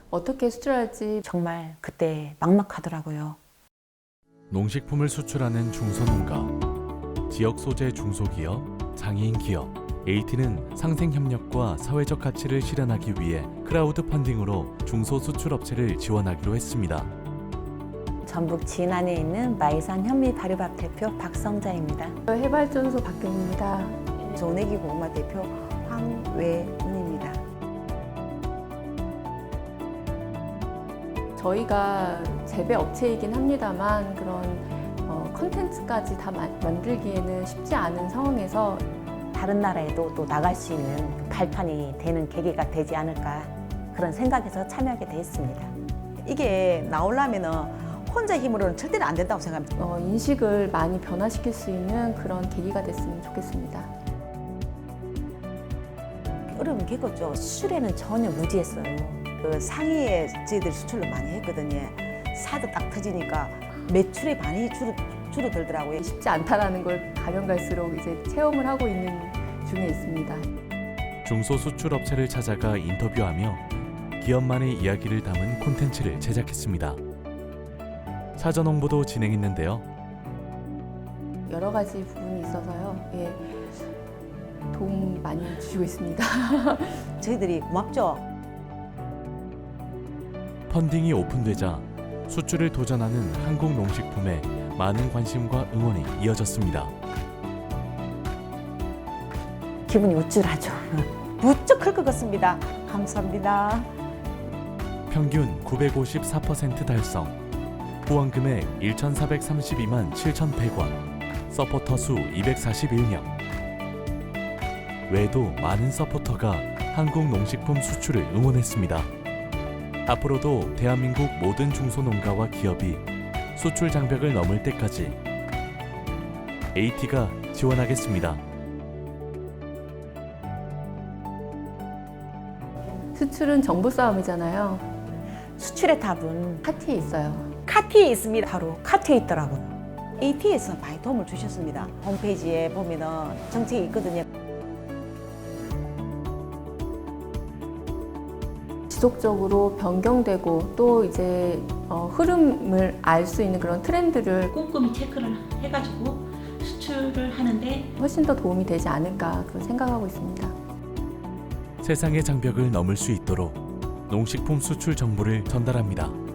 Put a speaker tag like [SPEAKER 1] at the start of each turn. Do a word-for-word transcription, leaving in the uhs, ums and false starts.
[SPEAKER 1] 어떻게 수출할지
[SPEAKER 2] 정말 그때 막막하더라고요.
[SPEAKER 3] 농식품을 수출하는 중소농가, 지역 소재 중소기업, 장애인 기업, 에이티는 상생협력과 사회적 가치를 실현하기 위해 크라우드 펀딩으로 중소수출업체를 지원하기로 했습니다.
[SPEAKER 2] 전북 진안에 있는 마이산 현미 발효밥 대표 박성자입니다.
[SPEAKER 1] 해발전소 박경입니다.
[SPEAKER 2] 조내기고 엄마 대표 황외은입니다.
[SPEAKER 1] 저희가 재배 업체이긴 합니다만 그런 어, 컨텐츠까지 다 마, 만들기에는 쉽지 않은 상황에서
[SPEAKER 2] 다른 나라에도 또 나갈 수 있는 발판이 되는 계기가 되지 않을까 그런 생각에서 참여하게 되었습니다. 이게 나오려면은 혼자 힘으로는 절대로 안 된다고 생각합니다.
[SPEAKER 1] 어, 인식을 많이 변화시킬 수 있는 그런 계기가 됐으면 좋겠습니다.
[SPEAKER 2] 어려운 게 그거죠. 수출에는 전혀 무지했어요. 그 상해에 저희들 수출을 많이 했거든요. 사도 딱 터지니까 매출이 많이 줄어, 줄어들더라고요.
[SPEAKER 1] 쉽지 않다라는 걸 가면 갈수록 이제 체험을 하고 있는 중에 있습니다.
[SPEAKER 3] 중소수출업체를 찾아가 인터뷰하며 기업만의 이야기를 담은 콘텐츠를 제작했습니다. 사전 홍보도 진행했는데요.
[SPEAKER 1] 여러 가지 부분이 있어서요. 예, 도움 많이 주시고 있습니다.
[SPEAKER 2] 저희들이 고맙죠.
[SPEAKER 3] 펀딩이 오픈되자 수출을 도전하는 한국 농식품에 많은 관심과 응원이 이어졌습니다.
[SPEAKER 2] 기분이 우쭐하죠. 무척 클 것 같습니다. 감사합니다.
[SPEAKER 3] 평균 구백오십사 퍼센트 달성, 후원 금액 천사백삼십이만 칠천백 원, 서포터 수 이백사십일 명. 외에도 많은 서포터가 한국 농식품 수출을 응원했습니다. 앞으로도 대한민국 모든 중소농가와 기업이 수출 장벽을 넘을 때까지 에이티가 지원하겠습니다.
[SPEAKER 1] 수출은 정보 싸움이잖아요.
[SPEAKER 2] 수출의 답은
[SPEAKER 1] 카티에 있어요.
[SPEAKER 2] 카티에 있습니다. 바로 카티에 있더라고요. 에이티에서 많이 도움을 주셨습니다. 홈페이지에 보면은 정책이 있거든요.
[SPEAKER 1] 지속적으로 변경되고 또 이제 어, 흐름을 알 수 있는 그런 트렌드를
[SPEAKER 4] 꼼꼼히 체크를 해가지고 수출을 하는데
[SPEAKER 1] 훨씬 더 도움이 되지 않을까 그런 생각하고 있습니다.
[SPEAKER 3] 세상의 장벽을 넘을 수 있도록 농식품 수출 정보를 전달합니다.